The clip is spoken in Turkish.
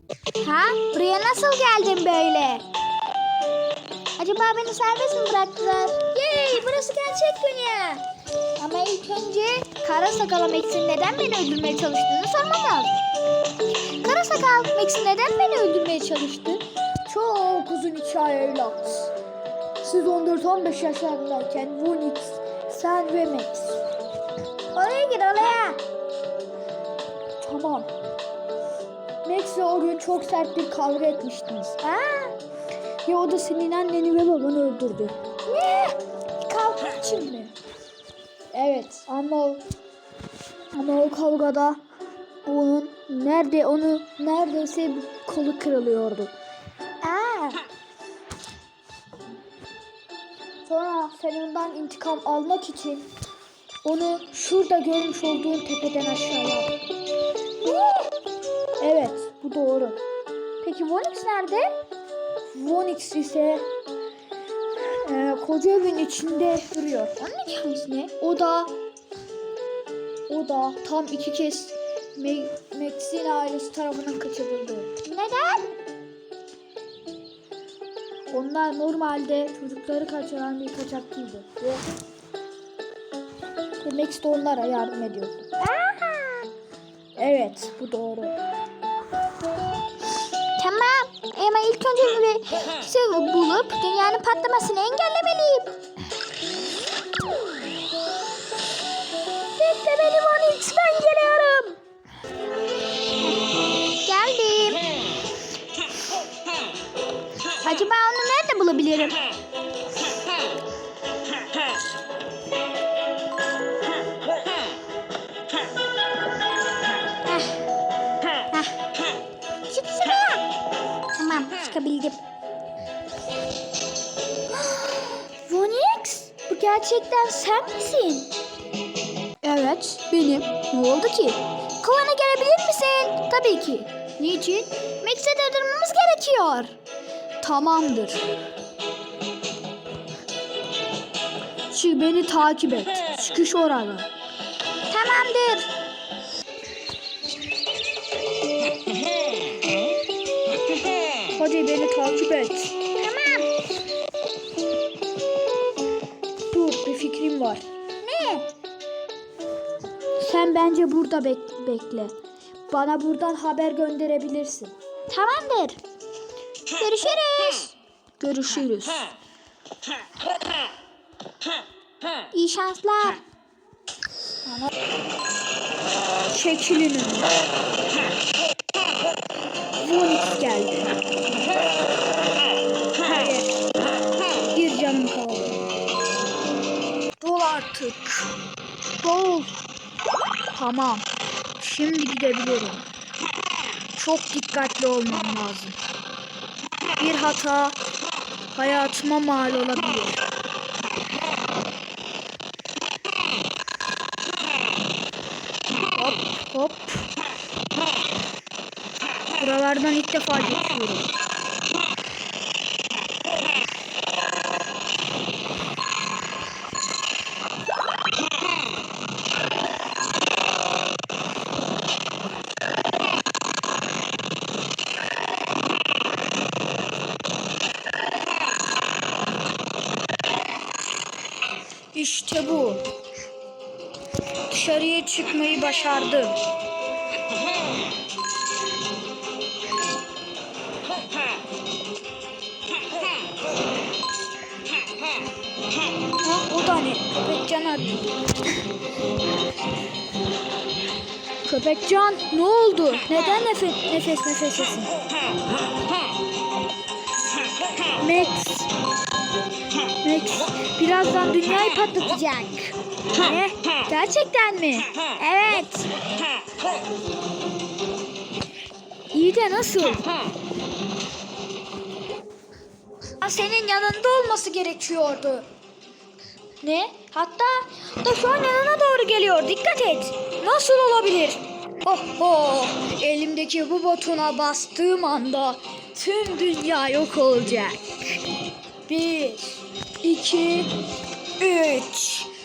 Ha? Buraya nasıl geldin böyle? Acaba beni serbest mi bıraktılar? Yey, burası gerçek dünya. Ama ilk önce Kara Sakal Max'in neden beni öldürmeye çalıştığını sormam lazım. Kara Sakal Max'in neden beni öldürmeye çalıştı? Çok uzun hikaye evlat. Siz 14-15 yaşlarındayken Vonix, sen ve Max. Oraya gir oraya. Tamam. Max'le o gün çok sert bir kavga etmiştiniz. Ya o da senin anneni ve babanı öldürdü. Ne? Kavga için mi? Evet ama o kavgada onu neredeyse kolu kırılıyordu. Sonra sen ondan intikam almak için onu şurada görmüş olduğun tepeden aşağıya attın. Evet, bu doğru. Peki Vonix nerede? Vonix ise koca evin içinde duruyor. Onun hikayesi ne? O da tam 2 kez Max'in ailesi tarafından kaçırıldı. Neden? Onlar normalde çocukları kaçıran bir kaçakçıydı. Ve Max de onlara yardım ediyordu. Evet, bu doğru. Tamam. Ama ilk önce bir bulup dünyanın patlamasını engellemeliyim. Bekle beni Vonix, ben geliyorum. Geldim. Acaba onu nerede bulabilirim? Çık şuraya. Tamam, çıkabildim. Vonix, bu gerçekten sen misin? Evet, benim. Ne oldu ki? Kovana gelebilir misin? Tabii ki. Niçin? Max'e durdurmamız gerekiyor. Tamamdır. Şimdi beni takip et. Çıkış orada. Tamamdır. Hadi beni takip et. Tamam. Dur, bir fikrim var. Ne? Sen bence burada bekle. Bana buradan haber gönderebilirsin. Tamamdır. Görüşürüz. Görüşürüz. İyi şanslar. Çekilin önüne. Vonix geldi. Hayır. Bir canım kaldı. Dol artık. Dol. Tamam. Şimdi gidebilirim. Çok dikkatli olmam lazım. Bir hata hayatıma mal olabilir. Hop hop. Buralardan ilk defa geçiyorum. İşte bu. Dışarıya çıkmayı başardım. O da ne? Köpekcan arıyor. Köpekcan, ne oldu? Neden nefesesin? Max, birazdan dünyayı patlatacak. Ne? Gerçekten mi? Evet. İyi de nasıl? Senin yanında olması gerekiyordu. Ne? Hatta da şu an yanına doğru geliyor. Dikkat et. Nasıl olabilir? Oh, elimdeki bu butona bastığım anda tüm dünya yok olacak. 1, 2, 3.